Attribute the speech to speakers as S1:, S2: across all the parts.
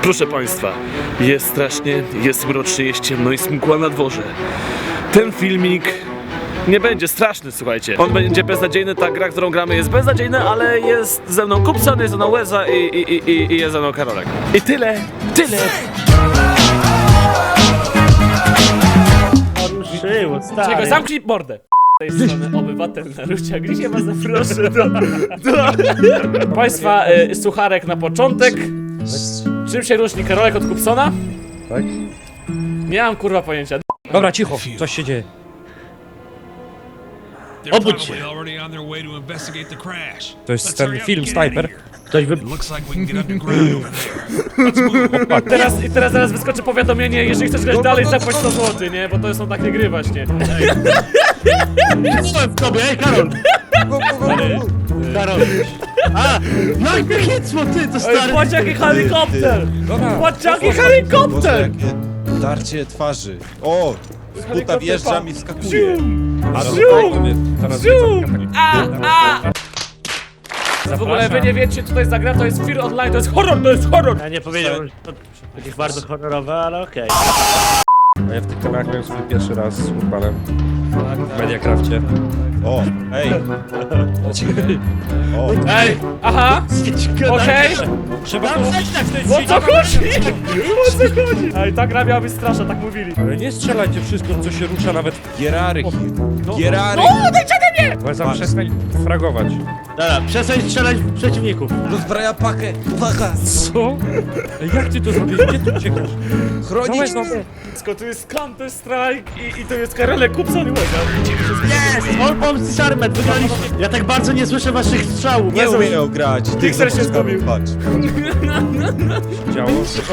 S1: Proszę Państwa, jest strasznie, jest mrocznie, jest ciemno i mgła na dworze. Ten filmik nie będzie straszny, słuchajcie. On będzie beznadziejny, ta gra, którą gramy jest beznadziejna, ale jest ze mną Kupson, jest ze mną Łeza i jest ze mną Karolek. I tyle.
S2: Ruszyło, stary.
S1: Czego, zamknij mordę. Z tej strony obywatel Narucia, gdzie się was zaproszę do Państwa sucharek na początek. Czym się różni Karolek od Kupsona?
S2: Tak?
S1: Nie mam kurwa pojęcia.
S2: Dobra, cicho, coś się dzieje. Obudź się.
S3: To jest ten film Sniper.
S2: Ktoś wy...
S1: Teraz zaraz wyskoczy powiadomienie, jeżeli chcesz grać dalej, zapłać 100 zł, nie? Bo to są takie gry właśnie.
S2: w tobie, ej, Karol! Karol. A! No i chycło, ty, to
S1: Ej,
S2: stary...
S1: patrz jaki helikopter!
S3: Dobra.
S1: Patrz jaki
S4: Boże,
S1: helikopter!
S4: jakie darcie twarzy. O! Z buta
S1: Helikopter,
S4: wjeżdżam
S1: pa.
S4: i wskakuje.
S3: Teraz
S1: Zium! W ogóle wy nie wiecie co to jest za gra, to jest Fear Online, to jest horror!
S2: Ja nie powiedziałem, że to jakieś bardzo honorowe, ale okej.
S3: A ja w tych kanałach miałem swój pierwszy raz z Urbanem w Mediacrafcie.
S4: O! Ej! O!
S1: Ej, aha, okej.
S3: Trzeba to
S1: O co chodzi? O co chodzi? Ej, ta gra miała być straszna, tak mówili.
S3: Ale nie strzelajcie wszystko, co się rusza, nawet
S4: Gierarki! Gierarki!
S3: Łeza przestań fragować.
S2: Dobra, przestań strzelać w przeciwników.
S4: Rozbraja pakę! Uwaga!
S3: Co? Ej, jak ty to zrobiłeś? Gdzie ty uciekasz?
S4: Chronić!
S1: To jest Counter Strike i to jest Karolek, Kupson i Łeza.
S2: Yes! All Bombs Charmed, wygraliśmy. Ja tak bardzo nie słyszę waszych strzałów.
S4: Nie umieją grać!
S1: Pixel się zgubił.
S4: Patrz!
S3: Działo?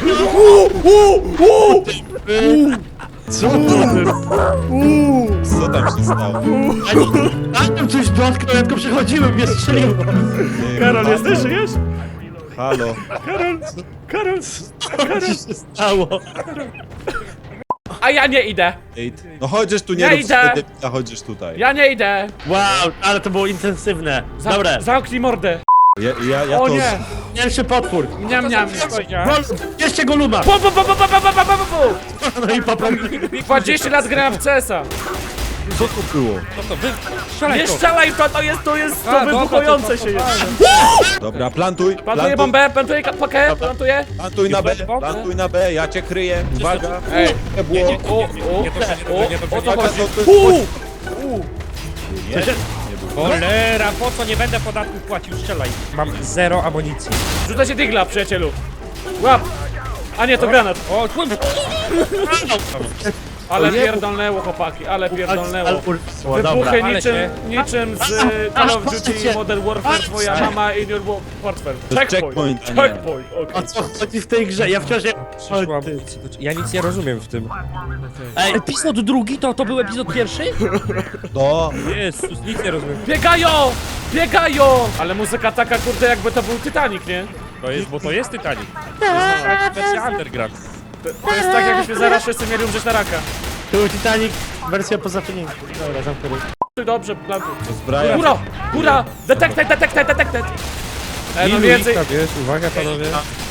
S2: Co?
S4: Co tam się stało?
S2: A tam coś dotknął, ja tylko przechodziłem, mnie strzeliło.
S1: Karol, jesteś, żyjesz?
S4: Halo!
S1: Karol.
S2: Co się stało?
S1: A ja nie idę.
S4: Ej, no chodzisz tu, nie
S1: Ja
S4: rób
S1: idę.
S4: wtedy, a chodzisz tutaj.
S1: Ja nie idę.
S2: Wow, ale to było intensywne. Dobre,
S1: Zamknij mordę.
S4: Ja
S1: O
S4: to...
S1: nie.
S2: pierwszy potwór.
S1: Niam.
S2: Bierzcie go luba.
S1: Po.
S2: No i poprawi.
S1: 20 lat grałem w CS-a.
S4: Co to było?
S3: No to wy... Strzelaj
S1: Nie
S3: to!
S1: strzelaj, to jest to
S3: A,
S1: wybuchające
S3: dobra,
S1: się jest.
S4: Dobra, plantuj!
S1: Plantuję bombę, plantuję pakę, plantuję.
S4: Plantuj na B, plantuj na B, ja cię kryję, uwaga!
S1: Ej,
S4: Nie było!
S1: o co chodzi?
S3: Cholera, po co nie będę podatków płacił? Strzelaj. Mam 0 amunicji.
S1: Rzuca się digla, przyjacielu. Łap. A nie, to granat.
S3: O, kurwa!
S1: Ale pierdolnęło, chłopaki, ale pierdolnęło.
S2: Dobra.
S1: Wybuchy
S3: ale
S1: niczym z Call of Duty Modern Warfare, twoja mama in your portfel.
S4: To jest checkpoint, a nie.
S1: Checkpoint, okej.
S2: O co chodzi w tej grze? Ja wciąż...
S3: Przyszłam. Ja nic nie rozumiem w tym.
S2: Ej,
S3: Epizod drugi to był epizod pierwszy?
S4: No,
S3: Jezus, nic nie rozumiem.
S1: Biegają! Ale muzyka taka, kurde, jakby to był Titanic, nie?
S3: To jest, bo to jest Titanic. To jest wersja underground.
S1: To jest tak, jakbyśmy zaraz wszyscy mieli umrzeć na raka.
S2: to był Titanic, wersja po zapomnieniu. Dobra, zamknę.
S1: Dobrze, plantuj.
S4: rozbraja.
S1: Góra! Detected! No
S3: Ilu
S1: więcej.
S3: ich tam jest? Uwaga panowie.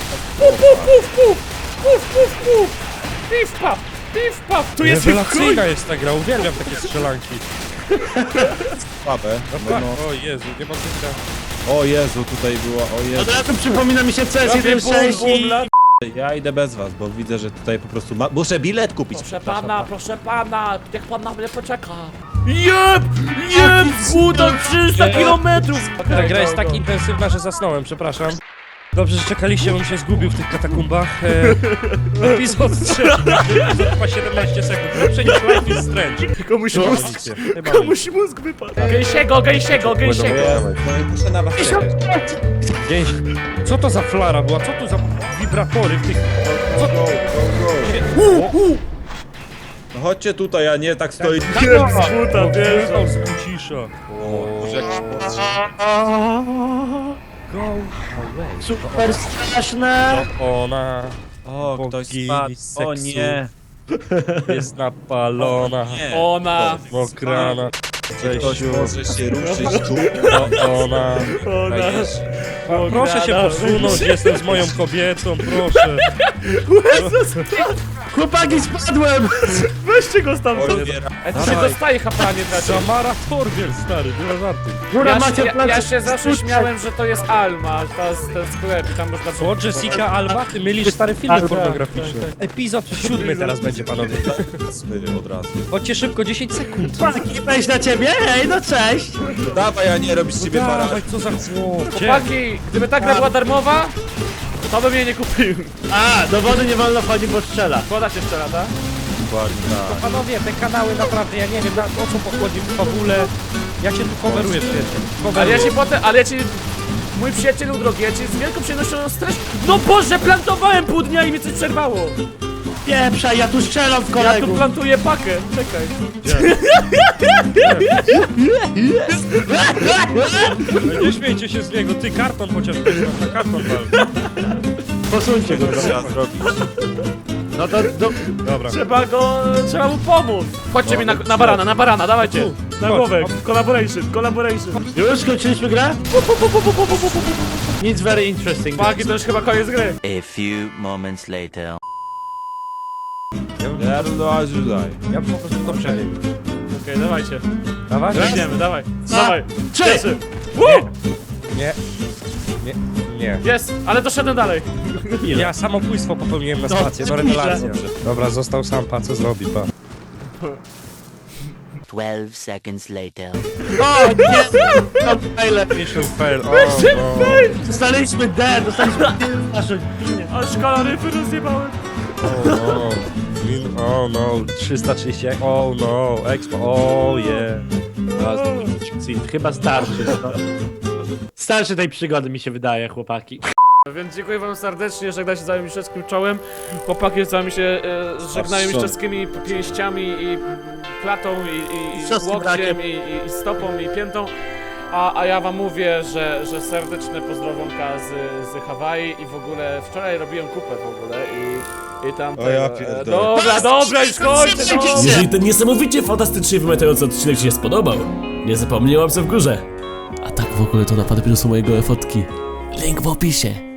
S1: Pif paf! Tu jest chuj!
S3: Rewelacyjna jest ta gra, uwielbiam takie strzelanki.
S4: Słabe. No,
S3: O Jezu, nie ma życia.
S4: o Jezu, tutaj była, o Jezu.
S2: Od razu przypomina mi się CS
S1: Robię
S2: 1.6 i...
S4: Ja idę bez was, bo widzę, że tutaj po prostu muszę bilet kupić.
S1: Proszę pana, niech pan na mnie poczeka. Jeb! Kuda 300 kilometrów!
S3: Ta gra jest tak intensywna, że zasnąłem, przepraszam. Dobrze, że czekaliście, bym się zgubił w tych katakumbach. Epizod 3, epizod trwa 17 sekund. Lepsze niż Life is Strange.
S1: Komuś mózg wypadł. Gęsiego!
S4: No i muszę na was czekać.
S3: Gdzieś... Co to za flara była? Co tu za wibratory w tych... Co to?
S4: No chodźcie tutaj, a nie tak stoi.
S1: Kuda, wiesz.
S3: Wyznał z Bucisza.
S4: Boże, jak
S2: Super straszne!
S3: Ona
S4: O, ktoś
S3: bogini
S4: spadł. O
S3: seksu
S4: nie.
S3: jest napalona,
S4: Nie.
S1: Ona.
S3: mokrana.
S4: Ktoś może się ruszyć tu.
S3: Ona...
S1: Ona.
S3: Proszę się posunąć, jestem z moją kobietą, proszę.
S2: Chłopaki, spadłem!
S1: Weźcie go stamtąd.
S4: Oliwiera.
S1: Ty dostaje hapa, nie traci.
S3: Samara Torbiel, stary, nie ma żarty.
S2: Góra, macie
S1: Ja się zawsze śmiałem, że to jest Alma, ten sklep i tam można...
S3: Co, Jessica Alba? Ty mylisz stare filmy pornograficzne. Epizod 7 teraz będzie, panowie.
S4: Zmyję od razu.
S3: Chodźcie szybko, 10 sekund.
S2: Wejść na ciebie? Hej, no cześć!
S4: Dawaj, a nie robisz z ciebie para.
S3: Dawaj, co za chłop.
S1: Chłopaki, gdyby ta gra była darmowa, to bym jej nie kupił.
S2: A, do wody nie wolno wchodzić, bo strzela.
S1: Woda się strzela, tak?
S4: Dokładnie tak.
S3: Panowie, te kanały naprawdę, ja nie wiem o co pochodzi w fabule. Ja cię tu coveruję, przyjaciel.
S1: Ale ja ci... Mój przyjacielu drogi, ja ci z wielką przyjemnością stres... No Boże, plantowałem pół dnia i mi coś przerwało.
S2: Pieprza, ja tu strzelam w
S1: Ja
S2: kolegów.
S1: tu plantuję pakę, czekaj.
S3: Nie śmiejcie się z niego, ty karton chociaż weź na karton wal.
S2: Posuńcie go.
S4: Trzeba zrobić.
S2: No to...
S3: Dobra.
S1: Trzeba mu pomóc. Chodźcie mi na barana, dawajcie. Na
S3: Chodź.
S1: głowę, collaboration.
S2: Już skończyliśmy grę? Nic very interesting.
S1: Paki, to już chyba koniec gry.
S5: A few moments later.
S4: Ja tutaj.
S3: Ja po prostu to przejdę.
S1: Okej, dawajcie.
S3: Dawaj?
S1: Idziemy, dawaj.
S2: Dwa,
S1: Dawaj.
S2: trzy.
S1: Pierwszy. Woo!
S3: Nie. Nie.
S1: Jest, ale doszedłem dalej.
S3: Ja samobójstwo popełniłem na stację, no rewelacja. Dobra, został sam, pa, co zrobi, pa.
S5: 12 seconds later.
S2: O, nie! No, najlepiej.
S3: Mission fail, o no.
S2: Dostaliśmy D, dostaliśmy naszą linię.
S1: Aż kaloryfy rozjebałem.
S3: Oh no, 330, oh no, expo, oh yeah.
S2: Chyba starszy. No. Starszy tej przygody mi się wydaje, chłopaki.
S1: Więc dziękuję wam serdecznie, żegnam się z całym mistrzowskim czołem. Chłopaki z wami się żegnają mistrzowskimi pięściami i klatą i
S2: Mistrzowskim
S1: łokciem
S2: rakiem.
S1: i stopą i piętą. A ja wam mówię, że serdeczne pozdrowonka z Hawaii i w ogóle wczoraj robiłem kupę w ogóle i tam...
S4: O ja pierdolę.
S1: Dobra, już kończę, no.
S6: Jeżeli ten niesamowicie fantastycznie wymiotujący odcinek Ci się spodobał, nie zapomnij o łapce w górze. A tak w ogóle to na fanpage'u są mojego fotki. Link w opisie.